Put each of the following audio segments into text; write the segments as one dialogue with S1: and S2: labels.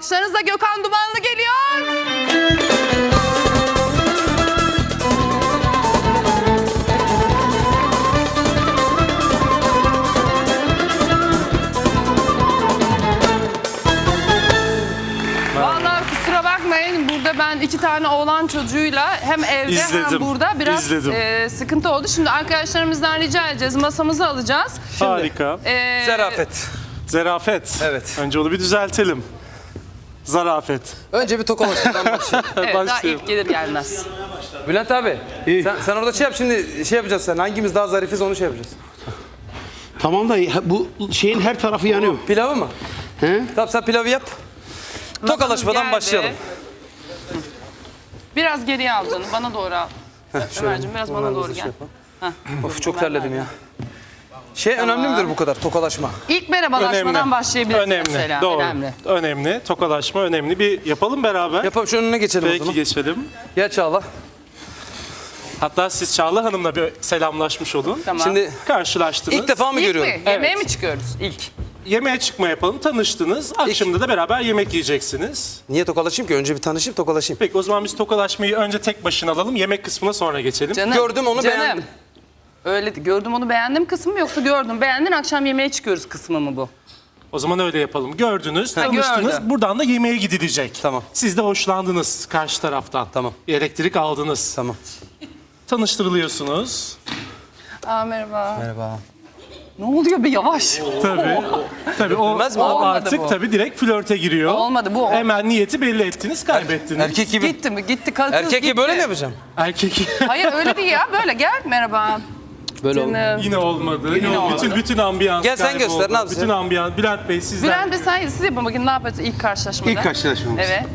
S1: alkışlarınızla Gökhan Dumanlı geliyor. Vallahi kusura bakmayın, burada ben 2 tane oğlan çocuğuyla hem evde hem burada biraz sıkıntı oldu. Şimdi arkadaşlarımızdan rica edeceğiz, masamızı alacağız.
S2: Harika.
S3: Zarafet.
S2: Zarafet.
S3: Evet.
S2: Önce onu bir düzeltelim. Zarafet.
S3: Önce bir tokalaşmadan başlayalım.
S1: Evet, daha
S2: Başlayalım.
S1: ilk gelir gelmez.
S3: Bülent abi, sen orada şey yap, şimdi şey yapacağız sen. Hangimiz daha zarifiz onu şey yapacağız.
S4: Tamam da bu şeyin her tarafı yanıyor.
S3: Pilavı mı?
S4: He?
S3: Tamam sen pilavı yap. Tokalaşmadan
S1: Geldi.
S3: başlayalım.
S1: Biraz geriye al canım, bana doğru al. Ömerciğim biraz bana doğru gel.
S3: Of çok terledim ya. Şey önemli midir bu kadar tokalaşma?
S1: İlk merhabalaşmadan başlayabiliriz
S2: Önemli.
S1: mesela.
S2: Doğru.
S1: Önemli.
S2: Önemli. Tokalaşma önemli. Bir yapalım beraber.
S3: Yapalım şu önüne geçelim o
S2: Peki
S3: zaman.
S2: geçelim.
S3: Gel Çağla.
S2: Hatta siz Çağla Hanım'la bir selamlaşmış olun.
S1: Tamam.
S3: Şimdi
S2: Karşılaştınız.
S3: ilk defa mı
S1: İlk
S3: görüyorum?
S1: mi? Yemeğe mi çıkıyoruz ilk?
S2: Yemeğe çıkma yapalım. Tanıştınız. Akşamda da beraber yemek yiyeceksiniz.
S3: Niye tokalaşayım ki? Önce bir tanışayım tokalaşayım.
S2: Peki o zaman biz tokalaşmayı önce tek başına alalım. Yemek kısmına sonra geçelim.
S1: Canım,
S3: Gördüm, onu beğendim.
S1: Öyle gördüm onu beğendim kısmı mı yoksa gördüm beğendin akşam yemeğe çıkıyoruz kısmı mı bu?
S2: O zaman öyle yapalım. Gördünüz,
S1: Ha,
S2: tanıştınız.
S1: gördüm.
S2: Buradan da yemeğe gidilecek.
S3: Tamam.
S2: Siz de hoşlandınız karşı taraftan.
S3: Tamam.
S2: Elektrik aldınız.
S3: Tamam.
S2: Tanıştırılıyorsunuz.
S1: Aa merhaba.
S3: Merhaba.
S1: Ne oluyor be yavaş?
S2: Tabii. Tabii o,
S3: Olmaz mı?
S2: o
S1: Olmadı
S2: artık
S1: bu.
S2: tabii direkt flörte giriyor.
S1: Olmadı bu.
S2: Hemen niyeti belli ettiniz, kaybettiniz.
S3: Erkek gibi.
S1: Gitti mi? Gitti. Kız
S3: Erkek
S1: gitti.
S3: gibi böyle mi yapacağım?
S2: Erkek
S1: Hayır öyle değil ya. Böyle gel. Merhaba.
S3: Böyle oldu.
S1: Canım.
S2: yine olmadı. Bütün ambiyans
S3: Gel sen
S2: kayboldu.
S3: göster, ne yapacağız?
S2: Bütün ambiyans. Bülent Bey sizden.
S1: Bülent Bey sen siz yapın bakayım ne yapacağız ilk karşılaşmada?
S4: İlk karşılaşmamız.
S1: Evet.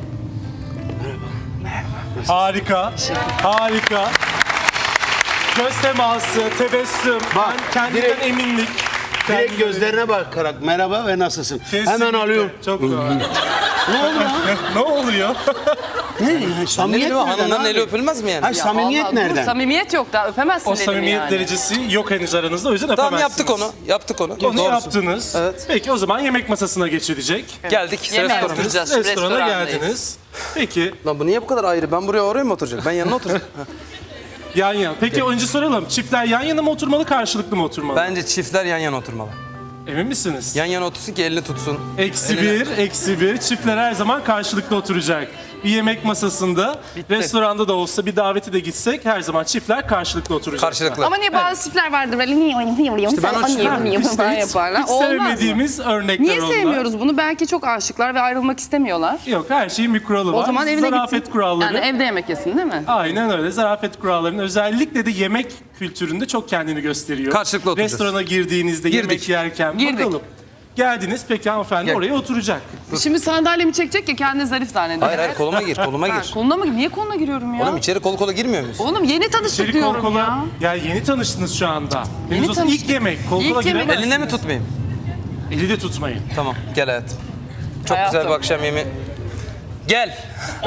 S2: Harika. Harika. Göz teması, tebessüm,
S4: Bak,
S2: kendinden
S4: direkt-
S2: eminlik.
S4: Direkt gözlerine bakarak merhaba ve nasılsın?
S2: Kesinlikle.
S4: Hemen alıyorum.
S2: Çok doğru.
S4: Ne oldu lan?
S2: Ne oluyor?
S4: Ne? Samimiyet nereden
S3: Hanımların
S4: abi?
S3: eli öpülmez mi yani?
S4: Hayır, samimiyet
S1: Allah, dur,
S4: nereden?
S1: samimiyet yok daha öpemezsin
S2: O
S1: elimi
S2: samimiyet
S1: yani.
S2: derecesi yok henüz aranızda, o yüzden
S3: Tamam
S2: öpemezsiniz.
S3: yaptık onu. Yaptık onu.
S2: Onu
S3: Doğrusu.
S2: yaptınız.
S3: Evet.
S2: Peki o zaman yemek masasına geçilecek.
S3: Geldik.
S1: Yemeğe
S3: Restorana.
S1: oturacağız.
S2: Restorana
S1: Restorandayız.
S2: geldiniz. Peki
S3: Lan bu niye bu kadar ayrı? Ben buraya oraya mı oturacağım? Ben yanına oturacağım.
S2: yan yana. Peki önce soralım. Çiftler yan yana mı oturmalı, karşılıklı mı oturmalı?
S3: Bence çiftler yan yana oturmalı.
S2: Emin misiniz?
S3: Yan yana otursun ki elini tutsun.
S2: -1. Çiftler her zaman karşılıklı oturacak. Bir yemek masasında, restoranda da olsa bir davete de gitsek her zaman çiftler karşılıklı oturacak.
S3: Karşılıklı.
S1: Ama niye bazı çiftler vardır böyle niye işte
S3: ben o çiftler-
S1: falan yaparlar.
S2: Hiç
S1: Olmaz mı?
S2: sevmediğimiz örnekler
S1: Niye
S2: onlar.
S1: sevmiyoruz bunu? Belki çok aşıklar ve ayrılmak istemiyorlar.
S2: Yok, her şeyin bir kuralı var.
S1: O zaman evine
S2: Zarafet
S1: gitsin.
S2: kuralları.
S1: Yani evde yemek yesin değil mi?
S2: Aynen öyle. Zarafet kurallarının özellikle de yemek kültüründe çok kendini gösteriyor.
S3: Karşılıklı oturacağız.
S2: Restorana girdiğinizde
S3: Girdik.
S2: yemek yerken
S1: Girdik.
S2: bakalım. Geldiniz, peki hanımefendi
S3: Gel.
S2: oraya oturacak.
S1: Şimdi sandalyemi çekecek ya kendini zarif zannediyor.
S3: Hayır koluma gir, koluma
S1: Ha,
S3: gir.
S1: koluna mı? Niye koluna giriyorum ya?
S3: Oğlum içeri kol kola girmiyor muyuz?
S1: Oğlum yeni tanıştık
S2: İçeri kol
S1: diyorum
S2: kola.
S1: ya.
S2: Ya yeni tanıştınız şu anda. Henüz olsa
S1: tanıştık.
S2: ilk yemek. Kol
S1: İlk
S2: kola
S1: yemek.
S2: giremezsiniz.
S3: Eline mi tutmayayım?
S2: Eli de tutmayın.
S3: Tamam gel hayatım. Çok
S1: Hayatım.
S3: güzel bir akşam yemeği. Gel.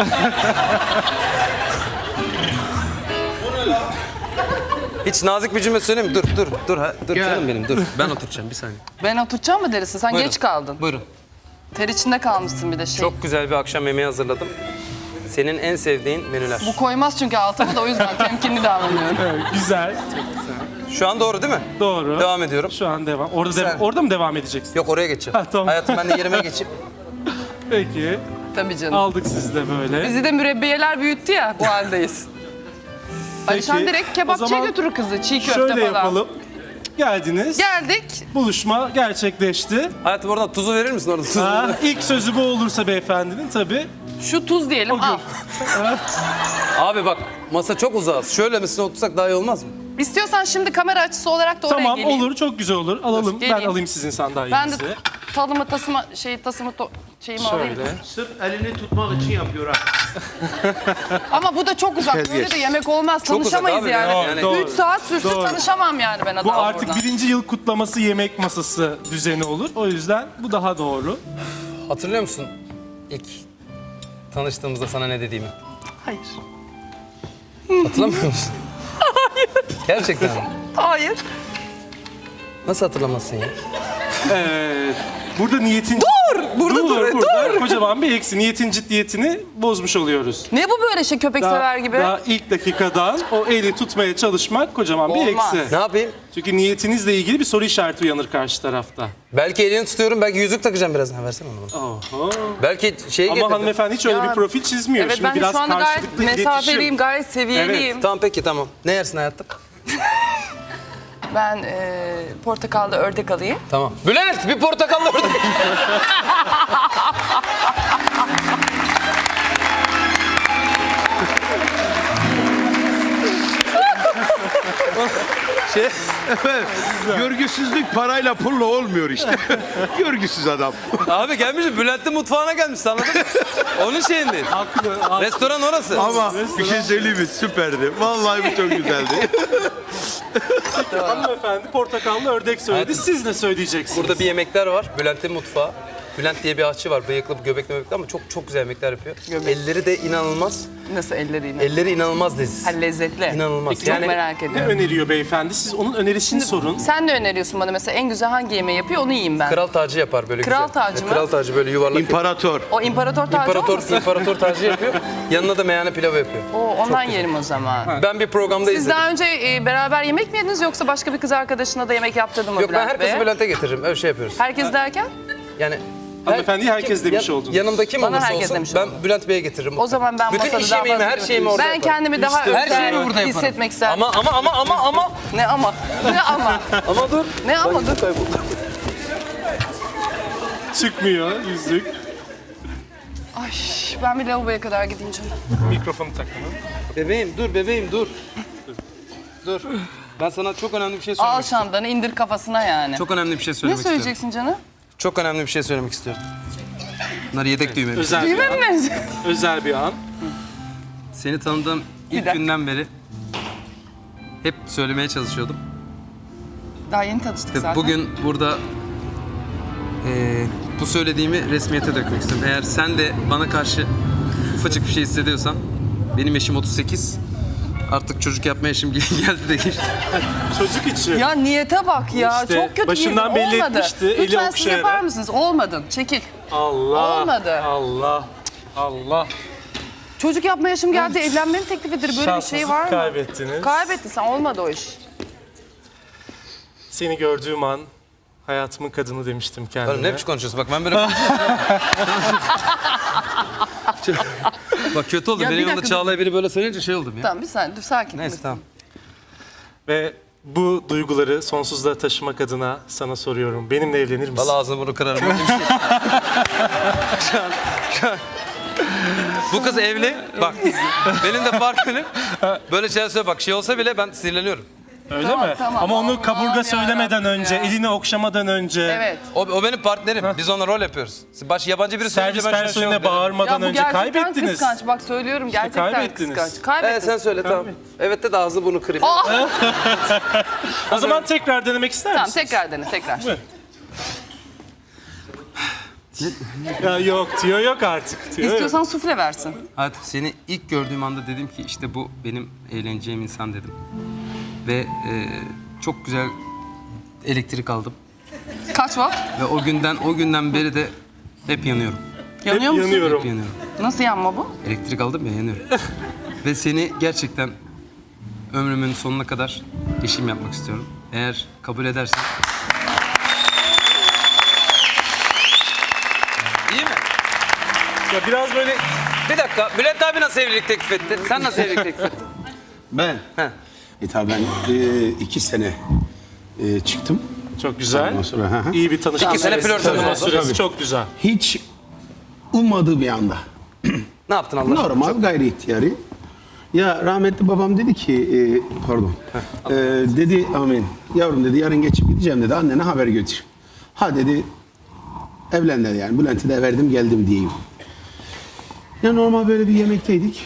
S3: Hiç nazik bir cümle söyleyeyim mi? Dur canım benim dur. Ben oturacağım bir saniye.
S1: Ben oturacağım mı derisi? Sen
S3: Buyurun.
S1: geç kaldın.
S3: Buyurun.
S1: Ter içinde kalmışsın bir de şey.
S3: Çok güzel bir akşam yemeği hazırladım. Senin en sevdiğin menüler.
S1: Bu koymaz çünkü altıma da o yüzden temkinli davranıyorum.
S2: Evet, güzel.
S3: Şu an doğru değil mi?
S2: Doğru.
S3: Devam ediyorum.
S2: Şu an devam. Orada,
S3: Sen-
S2: orada mı devam edeceksin?
S3: Yok oraya geçeceğim.
S2: Ha, tamam.
S3: Hayatım ben de yerime geçeyim.
S2: Peki.
S1: Tabii canım.
S2: Aldık sizi de böyle.
S1: Bizi de mürebbiyeler büyüttü ya bu haldeyiz. Alişan direkt
S2: o
S1: kebapçıya
S2: zaman
S1: götürür kızı çiğ köfte
S2: Şöyle
S1: falan.
S2: yapalım. Geldiniz.
S1: Geldik.
S2: Buluşma gerçekleşti.
S3: Hayatım oradan tuzu verir misin orada? Tuzu.
S2: Ha, ilk sözü bu olursa beyefendinin tabii.
S1: Şu tuz diyelim
S2: O gün.
S1: al.
S3: Abi bak masa çok uzağız. Şöyle misine otursak daha iyi olmaz mı?
S1: İstiyorsan şimdi kamera açısı olarak da oraya
S2: Tamam
S1: geleyim.
S2: olur, çok güzel olur. Alalım. Ben
S1: geleyim.
S2: alayım sizin
S1: Ben
S2: sandalyenizi.
S1: de talımı tasımı şeyimi alayım.
S2: Şöyle.
S4: Sırf elini tutmak için yapıyor ha.
S1: Ama bu da çok uzak. Böyle
S4: Terbiyesiz.
S1: de yemek olmaz.
S3: Çok uzak
S1: Tanışamayız
S3: abi,
S1: yani.
S3: yani.
S2: Doğru.
S1: 3 saat sürsün
S2: Doğru.
S1: tanışamam yani ben
S2: Bu
S1: adamla
S2: artık
S1: buradan.
S2: 1. yıl kutlaması yemek masası düzeni olur. O yüzden bu daha doğru.
S3: Hatırlıyor musun ilk tanıştığımızda sana ne dediğimi?
S1: Hayır.
S3: Hatırlamıyor musun? Hayır. Gerçekten mi?
S1: Hayır.
S3: Nasıl hatırlamazsın ya?
S2: Burada niyetin Burada kocaman bir eksi. Niyetin ciddiyetini bozmuş oluyoruz.
S1: Ne bu böyle şey köpek sever gibi?
S2: Daha ilk dakikadan o eli tutmaya çalışmak kocaman bir
S1: Olmaz.
S2: eksi.
S3: Ne yapayım?
S2: Çünkü niyetinizle ilgili bir soru işareti uyanır karşı tarafta.
S3: Belki elini tutuyorum, belki yüzük takacağım birazdan. Versene onu bana.
S2: Oho.
S3: Belki şey
S2: Ama
S3: getirdim.
S2: hanımefendi hiç öyle
S1: Ya,
S2: bir profil çizmiyor.
S1: Evet
S2: Şimdi
S1: ben
S2: biraz
S1: şu anda gayet
S2: karşılıklı
S1: mesafeliyim,
S2: iletişim.
S1: gayet seviyeliyim.
S3: Tamam peki tamam. Ne yersin hayatım?
S1: Ben portakallı ördek alayım.
S3: Tamam. Bülent bir portakallı ördek.
S4: Görgüsüzlük parayla pulla olmuyor işte. Görgüsüz adam.
S3: Abi gelmişim Bülent'in mutfağına gelmiş anladın mı? Onun şeyinde.
S2: Haklı.
S3: Restoran orası.
S4: Ama bir şey söyleyeyim mi? Süperdi. Vallahi bu çok güzeldi.
S2: Hanımefendi portakallı ördek söyledi. Siz ne söyleyeceksiniz?
S3: Burada bir yemekler var. Bülent'in mutfağı. Bülent diye bir aşçı var. Bıyıklı, göbekli möbekli ama çok güzel yemekler yapıyor. Elleri de inanılmaz.
S1: Nasıl elleriyle?
S3: Elleri inanılmaz leziz.
S1: Ha, lezzetli.
S3: İnanılmaz.
S1: Çok
S3: Yani-
S1: merak
S2: Ne
S1: ediyorum.
S2: öneriyor beyefendi? Siz onun önerisini sorun.
S1: Sen ne öneriyorsun bana mesela en güzel hangi yemeği yapıyor onu yiyeyim ben.
S3: Kral tacı yapar böyle
S1: Kral
S3: güzel.
S1: tacı mı?
S3: Kral tacı böyle yuvarlak.
S4: İmparator.
S1: O imparator tacı olmasın?
S3: İmparator tacı yapıyor. Yanına da meyhane pilavı yapıyor.
S1: Oo, ondan yerim o zaman.
S3: Ben bir programda
S1: Siz
S3: izledim.
S1: daha önce beraber yemek mi yediniz yoksa başka bir kız arkadaşına da yemek yaptırdın mı
S3: Yok ben
S1: Bülent
S3: herkesi
S1: Bey'e?
S3: Bülent'e getiririm. Öyle şey yapıyoruz.
S1: Herkes derken?
S3: Yani
S2: Hanımefendiye herkes demiş oldunuz.
S3: Yanımda kim
S1: Bana
S3: olursa
S1: herkes
S3: olsun
S1: demiş
S3: ben
S1: oldum.
S3: Bülent Bey'e getiririm.
S1: O zaman ben
S3: bütün
S1: masada
S3: iş
S1: daha
S3: yemeğimi,
S1: fazla...
S3: her şeyimi orada
S1: Ben
S3: yaparım.
S1: kendimi daha
S2: İşte
S3: her şeyimi
S1: özel
S3: burada yaparım.
S1: hissetmek isterim.
S3: Ama
S1: Ne ama? Ne ama?
S3: ama dur.
S1: Ne ama dur?
S2: Çıkmıyor yüzük.
S1: Ay ben bir lavaboya kadar gideyim canım.
S2: Mikrofonu takın.
S3: Bebeğim dur. Dur. Ben sana çok önemli bir şey
S1: Al
S3: söylemek istiyorum.
S1: şamdanı indir kafasına yani.
S3: Çok önemli bir şey
S1: Ne
S3: söylemek istiyorum.
S1: söyleyeceksin canım?
S3: Çok önemli bir şey söylemek istiyorum. Bunlar yedek düğmemiz.
S2: Özel bir
S1: Düğme
S2: an.
S1: mi?
S2: Özel bir an.
S3: Seni tanıdığım ilk
S1: dakika.
S3: günden beri hep söylemeye çalışıyordum.
S1: Daha yeni tanıştık
S3: Ve
S1: zaten.
S3: bugün burada bu söylediğimi resmiyete dökmek istiyorum. Eğer sen de bana karşı ufacık bir şey hissediyorsan, benim yaşım 38, artık çocuk yapma yaşım geldi de geçti.
S2: Çocuk için.
S1: Ya niyete bak ya.
S2: İşte
S1: Çok kötü
S2: başından
S1: niyet.
S2: belli
S1: Olmadı.
S2: etmişti, eli
S1: Lütfen siz
S2: okşayarak.
S1: yapar mısınız? Olmadın. Çekil.
S2: Allah.
S1: Olmadı.
S2: Allah. Allah.
S1: Çocuk yapma yaşım geldi. Evlenmenin teklifidir. Böyle bir şey
S2: Şansınızı
S1: var mı?
S2: kaybettiniz.
S1: Kaybettin sen. Olmadı o iş.
S2: Seni gördüğüm an hayatımın kadını demiştim kendime.
S3: Oğlum ne biçim konuşuyorsun? Bak ben böyle Bak kötü oldu.
S1: Ya bir
S3: Benim yanımda
S1: dakika,
S3: Çağla'ya biri böyle söyleyince şey oldum ya.
S1: Tamam bir saniye dur sakin.
S3: Neyse tamam.
S2: Ve bu duyguları sonsuzluğa taşımak adına sana soruyorum. Benimle evlenir misin?
S3: Vallahi ağzını bunu kırarım. şu an. Bu kız evli. Bak benim de partnerim. Böyle şeyler söyle bak şey olsa bile ben sinirleniyorum.
S2: Öyle
S1: Tamam,
S2: mi?
S1: tamam.
S2: Ama onu
S1: Allah'ım
S2: kaburga
S1: ya
S2: söylemeden
S1: Rabbim
S2: önce,
S1: ya.
S2: elini okşamadan önce,
S1: Evet.
S3: O benim partnerim. Biz onunla rol yapıyoruz. Yabancı biri söyleyince
S2: servis
S3: ben şöyle şey
S2: personeline
S3: oluyorum.
S2: bağırmadan
S1: Ya bu
S2: önce
S1: gerçekten
S2: kaybettiniz.
S1: kıskanç. Bak söylüyorum gerçekten
S2: kaybettiniz.
S1: kıskanç. Kaybettiniz.
S3: Sen söyle tamam. Evet de ağzı bunu kırayım.
S2: O zaman tekrar denemek ister
S1: Tamam
S2: misin?
S1: tekrar dene tekrar.
S2: Ya yok diyor, yok artık diyor.
S1: İstiyorsan sufle versin.
S3: Hayatım seni ilk gördüğüm anda dedim ki işte bu benim eğleneceğim insan dedim. Ve çok güzel elektrik aldım.
S1: Kaç watt?
S3: Ve o günden beri de hep yanıyorum.
S1: Yanıyor musun?
S2: yanıyorum.
S3: Hep yanıyorum.
S1: Nasıl yanma bu?
S3: Elektrik aldım ya yanıyorum. Ve seni gerçekten ömrümün sonuna kadar eşim yapmak istiyorum. Eğer kabul edersen. İyi mi?
S2: Ya biraz böyle
S3: Bir dakika. Bülent abi nasıl evlilik teklif etti? Sen nasıl evlilik teklif ettin?
S4: Ben?
S3: He.
S4: Tabii ben 2 sene çıktım.
S2: çok güzel.
S4: Ondan sonra, hı hı.
S2: İyi bir tanışma
S3: 2 sene
S2: süresi,
S3: flört
S2: tanıma
S3: oldu.
S2: süresi
S4: Tabii.
S2: çok güzel.
S4: Hiç ummadığım bir anda.
S3: Ne yaptın Allah aşkına?
S4: Normal gayri ihtiyari. Ya rahmetli babam dedi ki, pardon. Dedi amin. Yavrum dedi yarın geçip gideceğim dedi. Annene haber götür. Ha dedi evlen dedi yani. Bülent'i de verdim geldim diyeyim. Ya normal böyle bir yemekteydik.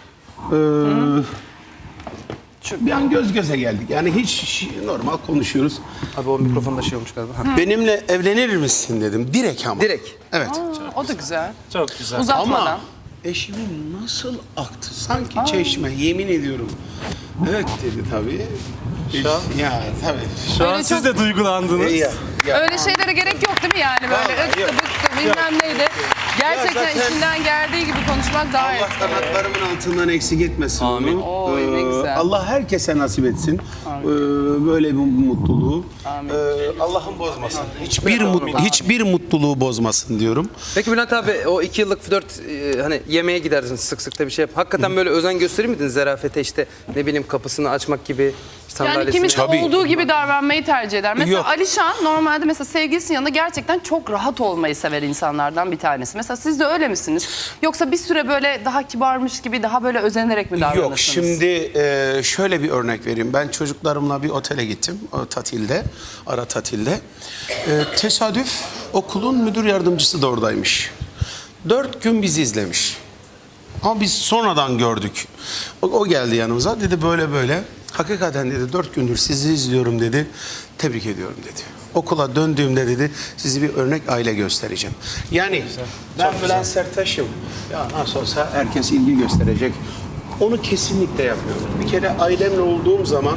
S4: Bir an göz göze geldik. Yani hiç normal konuşuyoruz.
S3: Abi o mikrofonda şey olmuş galiba. Ha.
S4: Benimle evlenir misin dedim. Direkt ama.
S3: Direkt.
S4: Evet.
S1: O da güzel.
S2: Çok güzel.
S1: Uzatmadan.
S4: Ama eşimin nasıl aktı? Sanki çeşme, yemin ediyorum. Evet dedi tabii.
S2: Şu an-
S4: Ya tabii.
S2: Şu an
S1: Öyle
S2: siz
S1: çok-
S2: de duygulandınız.
S4: Ya,
S1: Öyle şeylere gerek yok değil mi yani? Böyle
S4: Vallahi
S1: ıktı
S4: yok.
S1: bıktı bilmem neydi. Gerçekten
S4: zaten-
S1: içinden geldiği gibi konuşmak daha iyi.
S4: Allah kanatlarımın altından eksik etmesin
S3: Amin.
S4: onu.
S1: Oy, ne güzel.
S4: Allah herkese nasip etsin. Böyle bir mutluluğu. Allah'ım bozmasın. Hiçbir mutluluğu bozmasın diyorum.
S3: Peki Bülent abi o 2 yıllık flört hani yemeğe gidersiniz sık sık da bir şey yap. Hakikaten böyle özen gösterir miydin zerafete işte ne bileyim kapısını açmak gibi
S1: Yani
S3: sandalyesini?
S1: kimisi
S4: Tabii.
S1: olduğu gibi davranmayı tercih eder. Mesela
S4: Yok.
S1: Alişan normalde mesela sevgilisinin yanında gerçekten çok rahat olmayı sever insanlardan bir tanesi. Mesela siz de öyle misiniz? Yoksa bir süre böyle daha kibarmış gibi daha böyle özenerek mi davranırsınız?
S4: Yok şimdi şöyle bir örnek vereyim. Ben çocuklarımla bir otele gittim o tatilde, ara tatilde. Tesadüf okulun müdür yardımcısı da oradaymış. 4 gün bizi izlemiş. Ama biz sonradan gördük. O geldi yanımıza dedi böyle böyle. Hakikaten dedi 4 gündür sizi izliyorum dedi. Tebrik ediyorum dedi. Okula döndüğümde dedi sizi bir örnek aile göstereceğim. Yani ben Bülent Serttaş'ım. Ya nasıl olsa herkes ilgi gösterecek. Onu kesinlikle yapmıyorum. Bir kere ailemle olduğum zaman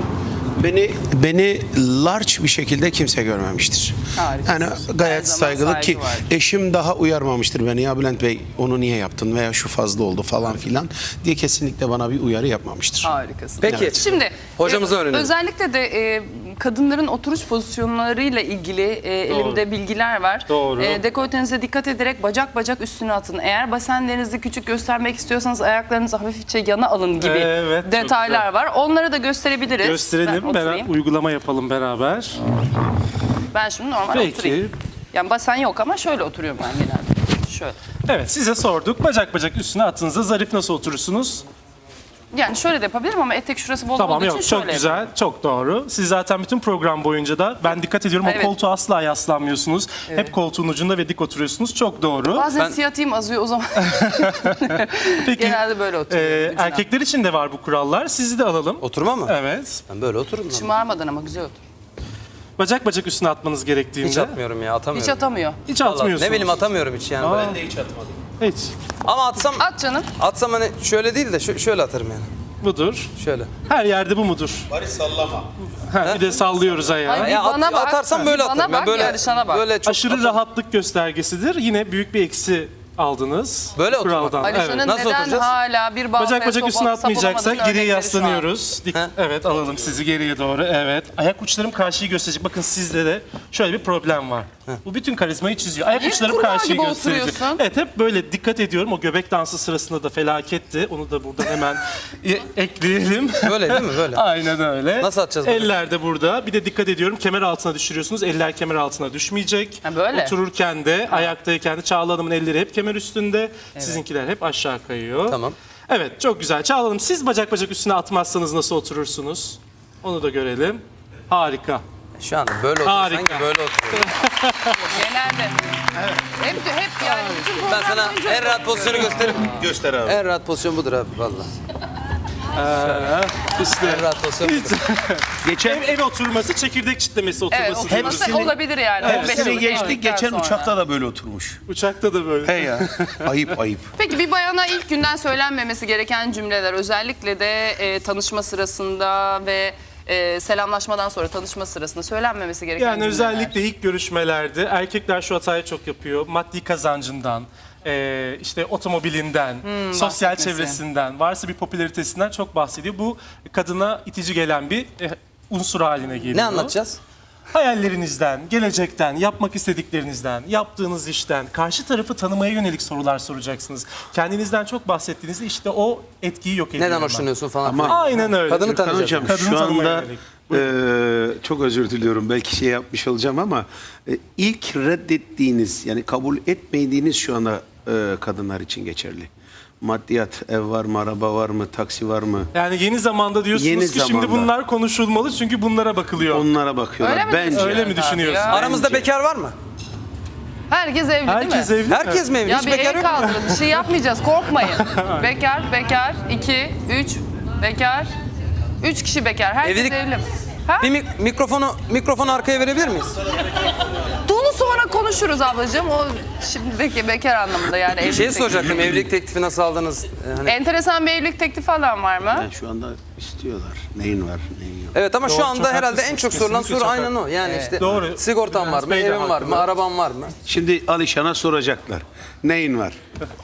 S4: beni large bir şekilde kimse görmemiştir.
S1: Harikasın.
S4: Yani
S1: Her
S4: gayet
S1: zaman
S4: saygılı
S1: saygı
S4: ki
S1: var.
S4: eşim daha uyarmamıştır beni. Ya Bülent Bey onu niye yaptın veya şu fazla oldu falan filan diye kesinlikle bana bir uyarı yapmamıştır.
S1: Harikasın.
S3: Peki.
S1: Şimdi
S3: Hocamızdan öğrenelim.
S1: özellikle de kadınların oturuş pozisyonlarıyla ilgili elimde bilgiler var.
S2: Doğru.
S1: Dekoltenize dikkat ederek bacak bacak üstüne atın. Eğer basenlerinizi küçük göstermek istiyorsanız ayaklarınızı hafifçe yana alın gibi
S2: Evet, çok
S1: detaylar
S2: güzel.
S1: var. Onları da gösterebiliriz.
S2: Gösterelim,
S1: Ben oturayım.
S2: uygulama yapalım beraber.
S1: Ben şimdi normal
S2: Peki.
S1: oturayım. Yani basen yok ama şöyle oturuyorum ben genelde. Şöyle.
S2: Evet, size sorduk. Bacak bacak üstüne attığınızda zarif nasıl oturursunuz?
S1: Yani şöyle de yapabilirim ama etek şurası bol
S2: Tamam,
S1: olduğu
S2: yok
S1: için
S2: çok
S1: şöyle
S2: güzel, çok doğru. Siz zaten bütün program boyunca da ben dikkat ediyorum
S1: Evet.
S2: o koltuğa asla yaslanmıyorsunuz. Hep koltuğun ucunda ve dik oturuyorsunuz. Çok doğru.
S1: Bazen
S3: Ben-
S1: siyatayım azıyor o zaman.
S2: Peki,
S1: Genelde böyle oturuyorum. ucuna.
S2: erkekler için de var bu kurallar. Sizi de alalım.
S3: Oturma mı?
S2: Evet.
S3: Ben böyle otururum lan.
S1: Şımarmadan ama güzel otur.
S2: Bacak bacak üstüne atmanız gerektiğinde.
S3: Hiç atmıyorum ya atamıyorum.
S1: Hiç atamıyor.
S2: Hiç
S3: Vallahi
S2: atmıyorsunuz.
S3: ne bileyim atamıyorum hiç yani.
S2: Aa.
S3: Ben de hiç atmadım.
S2: Hiç.
S3: Ama atsam
S1: At canım.
S3: hani şöyle değil de şöyle atarım yani.
S2: Budur.
S3: Şöyle.
S2: Her yerde bu mudur?
S4: Bari sallama.
S2: Ha, bir de sallıyoruz ayağı.
S1: Ay,
S3: Ya
S1: bana bak,
S3: atarsam böyle
S1: bana
S3: atarım.
S1: bak,
S3: Ben böyle
S1: yarışana bak.
S3: böyle çok
S2: Aşırı rahatlık göstergesidir. Yine büyük bir eksi aldınız.
S3: Böyle oturmak.
S2: kuraldan.
S1: Alişan'ın
S2: Evet.
S3: Nasıl
S1: neden
S3: oturacağız?
S1: hala bir bağ
S2: Bacak bacak üstüne atmayacaksak geriye
S1: örnekleri şu an.
S2: yaslanıyoruz. Evet, alalım sizi geriye doğru. Evet. Ayak uçlarım karşıyı gösterecek. Bakın sizde de şöyle bir problem var. Bu bütün karizmayı çiziyor. Ayak
S1: Niye
S2: uçlarım
S1: kurbağa
S2: karşıyı
S1: gibi
S2: gösterecek.
S1: oturuyorsun?
S2: Evet, hep böyle dikkat ediyorum. O göbek dansı sırasında da felaketti. Onu da buradan hemen ekleyelim.
S3: Böyle değil mi? Böyle.
S2: Aynen öyle.
S3: Nasıl atacağız bunu?
S2: Eller de burada. Bir de dikkat ediyorum. Kemer altına düşürüyorsunuz. Eller kemer altına düşmeyecek.
S1: Ha, böyle.
S2: Otururken de, ayaktayken de Çağla Hanım'ın elleri hep kemer üstünde. Sizinkiler hep aşağı kayıyor.
S3: Tamam.
S2: Evet, çok güzel. Çağla Hanım, siz bacak bacak üstüne atmazsanız nasıl oturursunuz? Onu da görelim. Harika.
S3: Şu anda böyle
S2: Harika.
S3: otursan ki böyle oturuyorum.
S1: Genelde. Hep yani. bütün
S3: Ben
S1: program
S3: sana
S1: boyunca
S3: en rahat pozisyonu göstereyim.
S4: Göster abi.
S3: En rahat pozisyon budur abi valla.
S2: İşte.
S3: En rahat pozisyon budur.
S2: Ev oturması, çekirdek çitlemesi
S1: Evet,
S2: oturması.
S1: oturması olabilir yani. 15
S4: Hepsini
S1: yıllık
S4: geçtik.
S1: evlilikten
S4: Geçen
S1: sonra.
S4: uçakta da böyle oturmuş.
S2: Uçakta da böyle.
S4: He ya. Ayıp ayıp.
S1: Peki bir bayana ilk günden söylenmemesi gereken cümleler özellikle de tanışma sırasında ve selamlaşmadan sonra tanışma sırasında söylenmemesi gereken
S2: Yani
S1: cümleler.
S2: özellikle ilk görüşmelerde erkekler şu hatayı çok yapıyor. Maddi kazancından, işte otomobilinden, sosyal
S1: bahsetmesi.
S2: çevresinden, varsa bir popülaritesinden çok bahsediyor. Bu kadına itici gelen bir unsur haline geliyor.
S3: Ne anlatacağız?
S2: Hayallerinizden, gelecekten, yapmak istediklerinizden, yaptığınız işten, karşı tarafı tanımaya yönelik sorular soracaksınız. Kendinizden çok bahsettiğinizde işte o etkiyi yok ediyor.
S3: Neden
S2: hemen.
S3: hoşlanıyorsun falan.
S4: Ama-
S3: filan.
S2: Aynen öyle.
S3: Kadını
S4: Gürkan
S3: tanıyacağız.
S4: Hocam
S2: Kadını
S4: şu
S2: tanımaya
S4: anda
S2: yönelik.
S4: çok özür diliyorum belki şey yapmış olacağım ama ilk reddettiğiniz yani kabul etmediğiniz şu anda kadınlar için geçerli. Maddiyat, ev var mı, araba var mı, taksi var mı?
S2: Yani yeni zamanda diyorsunuz
S4: Yeni
S2: ki şimdi
S4: zamanda.
S2: bunlar konuşulmalı çünkü bunlara bakılıyor.
S4: Onlara bakıyorlar.
S1: Öyle mi
S4: Bence.
S1: diyorsun?
S2: Öyle mi
S1: Evet abi
S2: düşünüyorsun?
S1: ya.
S3: Aramızda bekar var mı?
S1: Herkes evli
S2: Herkes
S1: değil mi?
S2: evli.
S3: Herkes mi evli?
S1: Ya
S3: Hiç
S1: bir
S3: bekar
S1: el
S3: yok mu?
S1: kaldırın. Bir şey yapmayacağız. Korkmayın. Bekar. 2, 3, bekar. 3 kişi bekar. Herkes
S3: Evlilik-
S1: evli. Ha?
S3: Bir mikrofonu arkaya verebilir miyiz?
S1: Onu sonra sonra konuşuruz ablacığım. O şimdi bekar anlamında yani.
S3: Bir
S1: evlilik
S3: şey
S1: teklifi.
S3: soracaktım. Evlilik teklifi nasıl aldınız? Hani...
S1: Enteresan bir evlilik teklifi falan var mı?
S4: Yani şu anda istiyorlar. Neyin var, neyin yok.
S3: Evet ama
S2: Doğru,
S3: şu anda
S2: çok
S3: herhalde en
S2: haklısınız.
S3: çok sorulan
S2: Kesinlikle
S3: soru
S2: çok
S3: aynen o. Yani işte
S2: Doğru.
S3: sigortan var mı,
S2: Bey de
S3: evin var mı,
S2: haklı.
S3: araban var mı?
S4: Şimdi Alişan'a soracaklar. Neyin var?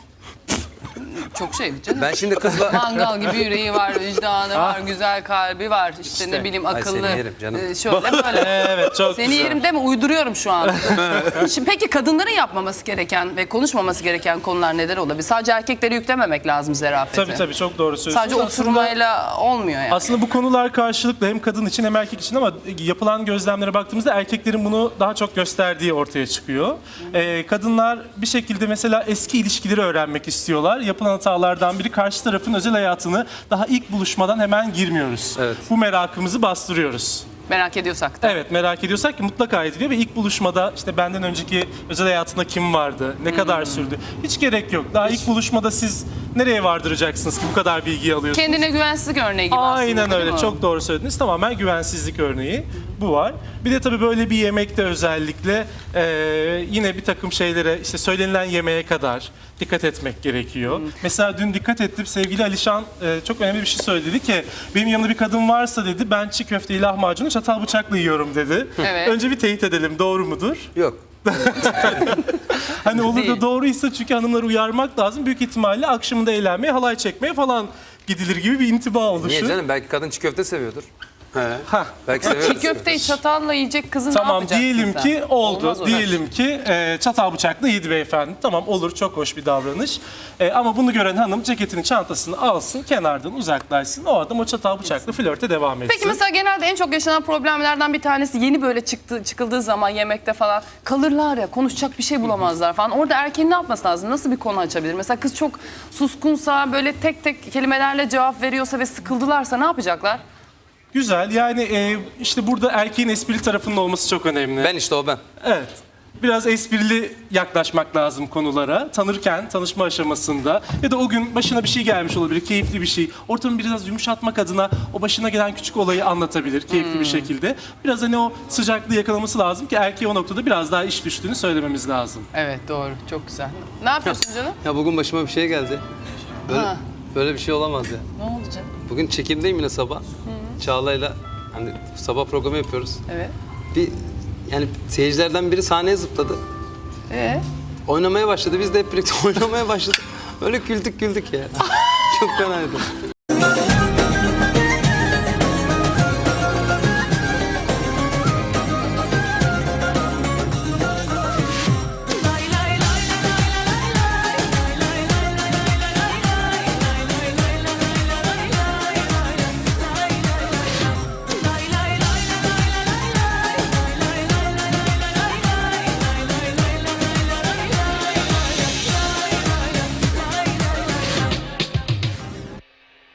S1: Çok şey canım.
S3: Ben şimdi kızla...
S1: Mangal gibi yüreği var, vicdanı var, güzel kalbi var. İşte ne bileyim
S3: Ay,
S1: akıllı.
S3: seni yerim canım.
S1: Şöyle böyle.
S2: Evet çok
S1: Seni
S2: güzel.
S1: yerim deme, uyduruyorum şu an. Şimdi peki kadınların yapmaması gereken ve konuşmaması gereken konular neler olabilir? Sadece erkekleri yüklememek lazım zerafeti.
S2: Tabii çok doğru söylüyorsunuz.
S1: Sadece oturmayla olmuyor yani.
S2: Aslında bu konular karşılıklı hem kadın için hem erkek için ama yapılan gözlemlere baktığımızda erkeklerin bunu daha çok gösterdiği ortaya çıkıyor. Kadınlar bir şekilde mesela eski ilişkileri öğrenmek istiyorlar. Yapılan hatalardan biri karşı tarafın özel hayatını daha ilk buluşmadan hemen girmiyoruz.
S3: Evet.
S2: Bu merakımızı bastırıyoruz.
S1: Merak ediyorsak da.
S2: Evet merak ediyorsak ki mutlaka ediliyor ve ilk buluşmada işte benden önceki özel hayatında kim vardı, ne kadar sürdü hiç gerek yok. Daha ilk buluşmada siz nereye vardıracaksınız ki bu kadar bilgiyi alıyorsunuz?
S1: Kendine güvensizlik örneği gibi aslında.
S2: Aynen
S1: değil
S2: öyle.
S1: mi?
S2: Çok doğru söylediniz. Tamamen güvensizlik örneği bu var. Bir de tabii böyle bir yemekte özellikle yine bir takım şeylere işte söylenilen yemeğe kadar dikkat etmek gerekiyor. Mesela dün dikkat ettim sevgili Alişan çok önemli bir şey söyledi. Dedi ki benim yanımda bir kadın varsa dedi ben çiğ köfteyi lahmacunu çatal bıçakla yiyorum dedi.
S1: Evet.
S2: Önce bir teyit edelim doğru mudur?
S3: Yok.
S2: Hani olur
S1: Değil.
S2: da doğruysa çünkü hanımları uyarmak lazım. Büyük ihtimalle akşamında eğlenmeye, halay çekmeye falan gidilir gibi bir intiba oluşur.
S3: Niye canım? Belki kadın çiğ köfte seviyordur.
S2: Hah.
S3: Belki
S1: Çiğ
S3: seviyordur.
S1: köfteyi çatalla yiyecek kızı ne
S2: Tamam
S1: yapacaksın
S2: diyelim
S1: sen?
S2: ki oldu.
S1: Olmaz o.
S2: Diyelim ki çatal bıçakla yedi beyefendi. Tamam olur çok hoş bir davranış. Ama bunu gören hanım ceketinin çantasını alsın kenardan uzaklaşsın. O adam o çatal bıçakla flörte devam etsin.
S1: Peki mesela genelde en çok yaşanan problemlerden bir tanesi yeni böyle çıkıldığı zaman yemekte falan kalırlar ya, konuşacak bir şey bulamazlar falan. Orada erkeğin ne yapması lazım? Nasıl bir konu açabilir? Mesela kız çok suskunsa, böyle tek tek kelimelerle cevap veriyorsa ve sıkıldılarsa ne yapacaklar?
S2: Güzel yani işte burada erkeğin esprili tarafının olması çok önemli.
S3: Ben işte o ben.
S2: Evet. Biraz esprili yaklaşmak lazım konulara. Tanırken, tanışma aşamasında ya da o gün başına bir şey gelmiş olabilir, keyifli bir şey. Ortamı biraz yumuşatmak adına o başına gelen küçük olayı anlatabilir keyifli bir şekilde. Biraz hani o sıcaklığı yakalaması lazım ki erkeğe o noktada biraz daha iş düştüğünü söylememiz lazım.
S1: Evet doğru, çok güzel. Ne yapıyorsun canım?
S3: Ya bugün başıma bir şey geldi. Böyle,
S1: Ha.
S3: böyle bir şey olamaz ya.
S1: Ne oldu canım?
S3: Bugün çekimdeyim yine sabah. Çağla'yla hani sabah programı yapıyoruz.
S1: Evet.
S3: Bir yani seyircilerden biri sahneye zıpladı.
S1: Oynamaya
S3: Oynamaya başladı. Biz de hep birlikte oynamaya başladık. Öyle güldük ya. Çok fenaydı.